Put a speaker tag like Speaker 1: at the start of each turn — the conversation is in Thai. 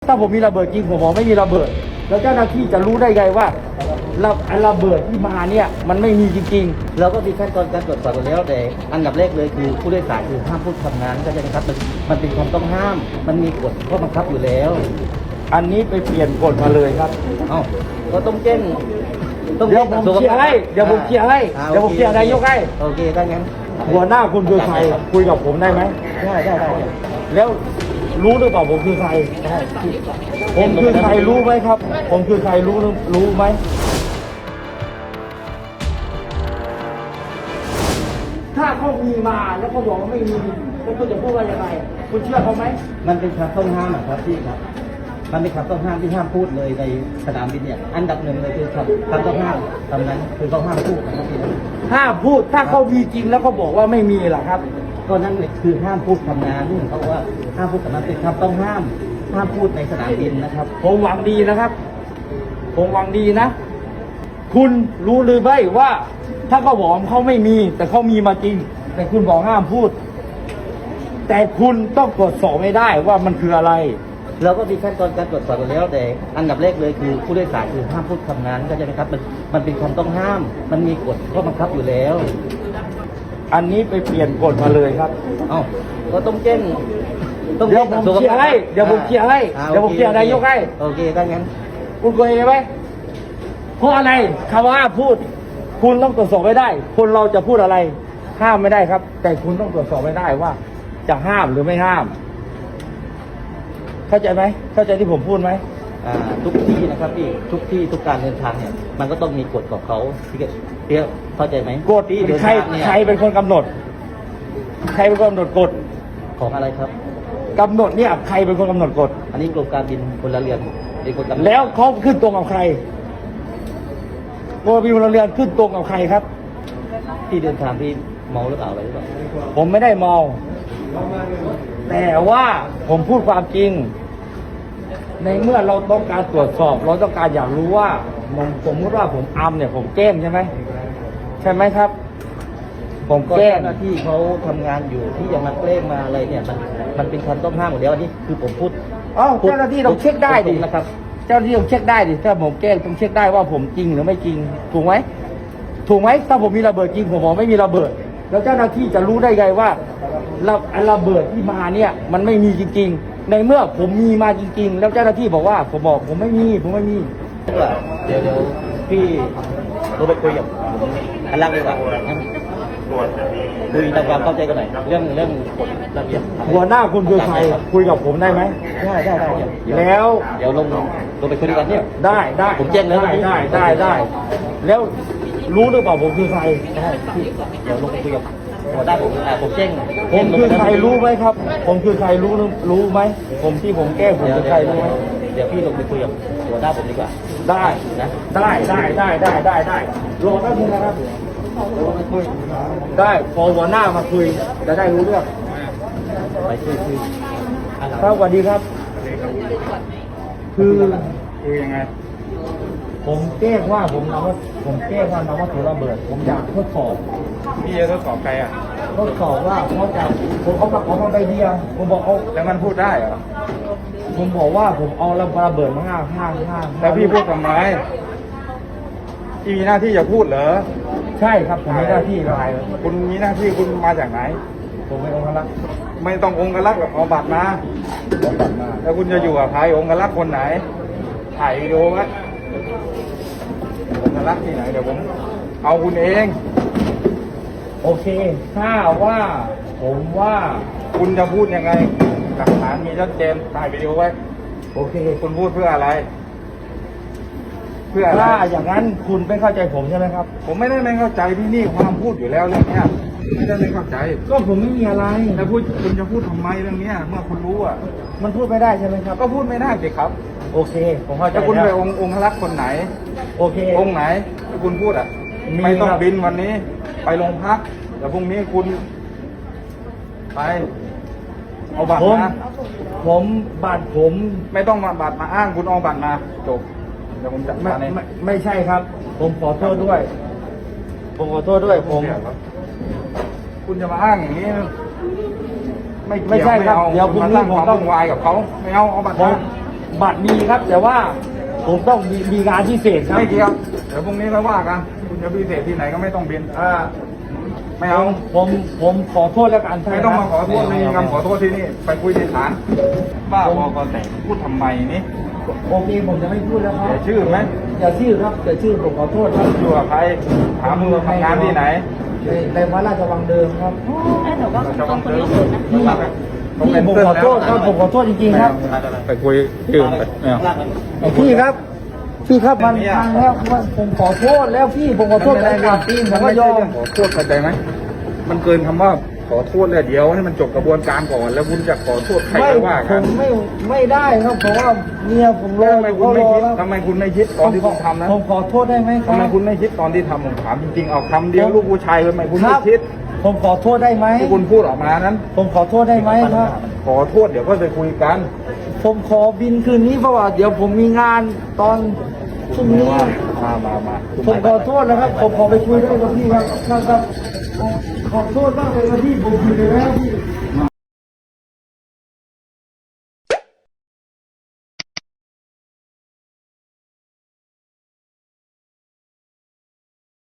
Speaker 1: ถ้าผมมีระเบิดจริงผมบอกไม่มีระเบิดแล้วเจ้าหน้าที่จะรู้ได้ไงว่าระเบิดที่มาเนี่ยมันไม่มีจริง
Speaker 2: เราก็มีขั้นตอนการตรวจสอบอยู่แล้วแต่อันดับแรกเลยคือผู้โดยสารคือห้ามพูดคำนั้นก็จะนะครับมันเป็นความต้องห้ามมันมีกฎข้อบังคับอยู่แล้ว
Speaker 1: ๆอันนี้ไปเปลี่ยนกฎมาเลยครับ
Speaker 2: เอ้าก็ต้องแจ้ง
Speaker 1: เดี๋ยวผมเคลียร์ให้เดี๋ยวผมเคลียร์ให้เดี๋ยวผมเคลียร์นายกให้
Speaker 2: โอเคถ้างั้น
Speaker 1: หัวหน้าคุณคือใครคุยกับผมได้ไหม
Speaker 2: ได้
Speaker 1: แล้วรู้หรือเปล่าผมคือใครผมคือใครรู้ไหมครับผมคือใครรู้ไหมถ้าเขามีมาแล้วเขาบอกว่าไม่มีแล้วคุณจะพูดว่ายังไงคุณเชื่อเขาไหม
Speaker 2: มันเป็นคำต้องห้ามครับพี่ครับมันเป็นคำต้องห้ามที่ห้ามพูดเลยในสนามบินเนี่ยอันดับหนึ่งเลยคือคำต้องห้ามคำนั้นคือต้องห้ามพูดนะครับพี่
Speaker 1: ห้ามพูดถ้าเขามีจริงแล้วเขาบอกว่าไม่มีล่ะครับ
Speaker 2: ก็นั่นคือห้ามพูดคำนั้นเขาบอกว่าห้ามพูดคำนั้นเป็นคำต้องห้ามพูดในสนามบินนะครับ
Speaker 1: ผมหวังดีนะครับผมหวังดีนะคุณรู้หรือไม่ว่าถ้าเขาบอกเขาไม่มีแต่เขามีมาจริงแต่คุณบอกห้ามพูดแต่คุณต้องตรวจสอบไม่ได้ว่ามันคืออะไร
Speaker 2: เราก็มีขั้นตอนการตรวจสอบอยู่แล้วแต่อันดับแรกเลยคือผู้โดยสารคือห้ามพูดคำนั้นก็จะนะครับมันเป็นความต้องห้ามมันมีกฎข้อบังคับอยู่แล้ว
Speaker 1: อันนี้ไปเปลี่ยนกฎมาเลยครับ
Speaker 2: เอ้าก็ต้องแจ้ง
Speaker 1: เดี๋ยวผมเคลียร์ให้เดี๋ยวผมเคลียร์ให้เดี๋ยวผมเคลียร์นายกให้
Speaker 2: โอเคถ้างั้น
Speaker 1: คุณเคยไหมเพราะอะไรคำว่าพูดคุณต้องตรวจสอบไม่ได้คนเราจะพูดอะไรห้ามไม่ได้ครับแต่คุณต้องตรวจสอบไม่ได้ว่าจะห้ามหรือไม่ห้ามเข้าใจไหมเข้าใจที่ผมพูดไหม
Speaker 2: ทุกที่นะครับพี่ทุกที่ทุกการเดินทางเนี่ยมันก็ต้องมีกฎของเขาพี่เข้าใจไหม
Speaker 1: กฎที่ใครเป็นคนกำหนดใครเป็นคนกำหนดกฎ
Speaker 2: ของอะไรครับ
Speaker 1: กำหนดเนี่ยใครเป็นคนกำหนดกฎ
Speaker 2: อันนี้กรมการบินพลเรือนเป็นคนกำหนด
Speaker 1: แล้วเขาขึ้นตรงกับใครกรมการบินพลเรือนขึ้นตรงกับใครครับ
Speaker 2: ที่เดินทางที่เมาหรือเปล่าอะไรหรือเปล่า
Speaker 1: ผมไม่ได้เมาแต่ว่าผมพูดความจริงในเมื่อเราต้องการตรวจสอบเราต้องการอยากรู้ว่าสมมติว่าผมเนี่ยผมแกล้งใช่ไหมครับผมแกล้ง
Speaker 2: หน้าที่เขาทำงานอยู่ที่จะมาแกล้งมาอะไรเนี่ยมันเป็นความต้องห้ามหมดแล้วอันนี้คือผมพูด
Speaker 1: เจ้าหน้าที่ต้องเช็คได้ดิ
Speaker 2: นะครับ
Speaker 1: เจ้าหน้าที่ต้องเช็คได้ดิถ้าผมแกล้งต้องเช็คได้ว่าผมจริงหรือไม่จริงถูกไหมถ้าผมมีระเบิดจริงผมบอกไม่มีระเบิดแล้วเจ้าหน้าที่จะรู้ได้ไงว่าระเบิดที่มาเนี่ยมันไม่มีจริงๆในเมื่อผมมีมาจริงๆแล้วเจ้าหน้าที่บอกว่าผมไม่มี
Speaker 2: เดี๋ยวพี่เราไปคุยกับอันล่างดีกว่าคุยตามความเข้าใจกันหน่อยเรื่องกฎระเบียบ
Speaker 1: หัวหน้าคุณคือใครคุยกับผมได้ไหม
Speaker 2: ได้
Speaker 1: แล้ว
Speaker 2: เดี๋ยวลงไปคุยกันเนี่ย
Speaker 1: ได้
Speaker 2: ผมแจ้งแล้ว
Speaker 1: ได้แล้วรู้หรือเปล่าผมคือใคร
Speaker 2: เดี๋ยวลงไปคุยกับหัวหน้าผมแจ้ง
Speaker 1: ผมคือใครรู้ไหมครับผมคือใครรู้ไหมผมที่ผมแก้ผมคือใครรู้ไหม
Speaker 2: เดี๋ยวพี่ลงไปคุยกับหัวหน้าผมดีกว่า
Speaker 1: ได้นะได้รอแป๊บนึงนะครับได้พอหัวหน้ามาคุยจะได้รู้เรื่อง
Speaker 2: ไปคุย
Speaker 1: ครับสวัสดีครับคือ
Speaker 3: ยังไง
Speaker 1: ผมแก้ว่าผมแก้ว่านำวัตถุระเบิดผมอยากทดสอบ
Speaker 3: พี่จะทดสอบใครอ่ะ
Speaker 1: ทดสอบว่าผมเอามาใบเดียวผมบอกเอา
Speaker 3: แล้วมันพูดได้เหรอ
Speaker 1: ผมบอกว่าผมเอาระเบิดมาห้า
Speaker 3: แล้วพี่พูดทำไมพี่มีหน้าที่จะพูดเหรอ
Speaker 1: ใช่ครับผมมีหน้าที่อะไร
Speaker 3: คุณมีหน้าที่คุณมาจากไหน
Speaker 1: ผมเป็นองค์รักษ์
Speaker 3: ไม่ต้ององค์รักษ์เอาบัตรมาแล้วคุณจะอยู่กับใครองค์รักษ์คนไหนถ่ายวิดีโอไหมองค์รักษ์ที่ไหนเดี๋ยวผมเอาคุณเอง
Speaker 1: โอเคถ้าว่าผมว่า
Speaker 3: คุณจะพูดยังไงหลักฐานมีชัดเจนถ่ายวิดีโอไว้
Speaker 1: โอเค
Speaker 3: คุณพูดเพื่ออะไร
Speaker 1: ถ้าอย่างนั้นคุณไม่เข้าใจผมใช่ไหมครับ
Speaker 3: ผมไม่เข้าใจพี่นี่ความพูดอยู่แล้วเรื่องนี้ไม่เข้าใจ
Speaker 1: ก็ผมไม่มีอะไร
Speaker 3: แล้วคุณจะพูดทำไมเรื่องนี้เมื่อคุณรู้อ่ะ
Speaker 1: มันพูดไม่ได้ใช่ไหมครับ
Speaker 3: ก็พูดไม่ได้สิครับ
Speaker 1: โอเคผมเข้าใจ
Speaker 3: แล้วคุณไปองค์รักษ์คนไหน
Speaker 1: โอเค
Speaker 3: องค์ไหนที่คุณพูดอ่ะไม่ต้องบินวันนี้ไปโรงพักแต่พรุ่งนี้คุณไปเอาบัตรมา
Speaker 1: บัตรผม
Speaker 3: ไม่ต้องมาบัตรมาอ้างคุณเอาบัตรมาจบเดี๋ยวผมจัดการ
Speaker 1: ไม่ใช่ครับผมขอโทษด้วย
Speaker 3: คุณจะมาอ้างอย่างนี้
Speaker 1: ไม่ใช่ครับ
Speaker 3: เดี๋ยวคุณสร้างความวุ่นวายกับเขาไม่เอาบัตรมา
Speaker 1: บัตรมีครับ แต่ว่าผมต้องมีงานพิเศษครับ
Speaker 3: ไม่เกี่ยวเดี๋ยวพรุ่งนี้เราว่ากันคุณจะพิเศษที่ไหนก็ไม่ต้องบิน
Speaker 1: อ่า
Speaker 3: ไม่เอา
Speaker 1: ผมขอโทษแล้วกัน
Speaker 3: ไม่ต้องมาขอโทษไม่มีคำขอโทษที่นี่ไปคุยที่ศาลบ้าบอกอแต่พูดทำไมนี่
Speaker 1: โอเคผมจะไม่พูดแล้วครับ
Speaker 3: เสียชื่อไหม
Speaker 1: อย่าชื่อครับอย่าชื่อผมขอโทษครับ
Speaker 3: อยู่กับใครถามมือทำงานที่ไหน
Speaker 1: ในวัดราชวังเดิมครับ
Speaker 4: หนูก็เป็นคนที่สุดนะ
Speaker 1: พี่ผมขอโทษครับผมขอโทษจริงๆครับ
Speaker 3: ไปคุยที่อื่นไปไม่เอา
Speaker 1: พี่ครับมันพังแล้วผมขอโทษแล้วพี่ผมขอโทษแต่ก่อนพี่ผม
Speaker 3: มัน
Speaker 1: ก็
Speaker 3: ไม่
Speaker 1: ย
Speaker 3: ใช่
Speaker 1: อม
Speaker 3: เรื่องขอโทษเข้าใจไหมมันเกินคำว่าขอโทษเลยเดี๋ยวให้มันจบกระบวนการก่อนแล้วคุณจะขอโทษใคร
Speaker 1: ไม่
Speaker 3: ก็ว่า
Speaker 1: ผ
Speaker 3: กัน
Speaker 1: มไม่ได้ครับเพราะว่าเมียผมรอ
Speaker 3: ทำไมคุณไม่คิดตอนที่คุณทำนะ
Speaker 1: ผมขอโทษได้ไหมครั
Speaker 3: ทำไม
Speaker 1: บ
Speaker 3: คุณไม่คิดตอนที่ทำผมถามจริงๆเอาคำเดียวลูกผู้ชายทำไมคุณ
Speaker 1: ค
Speaker 3: ไม่
Speaker 1: รับ
Speaker 3: คิด
Speaker 1: ผมขอโทษได้ไหม
Speaker 3: ที่คุณพูดออกมานั้น
Speaker 1: ผมขอโทษได้ไหมครับ
Speaker 3: ขอโทษเดี๋ยวก็ไปคุยกัน
Speaker 1: ผมขอบินคืนนี้เพราะว่าเดี๋ยวผมมีงานตอนพรุ่งนี้
Speaker 3: มา
Speaker 1: ผมขอโทษนะครับ ผมขอไปคุยด้วยกับพี่ครับครับขอโทษมากเลยนะพี่ผมผิดไปแล้วพี่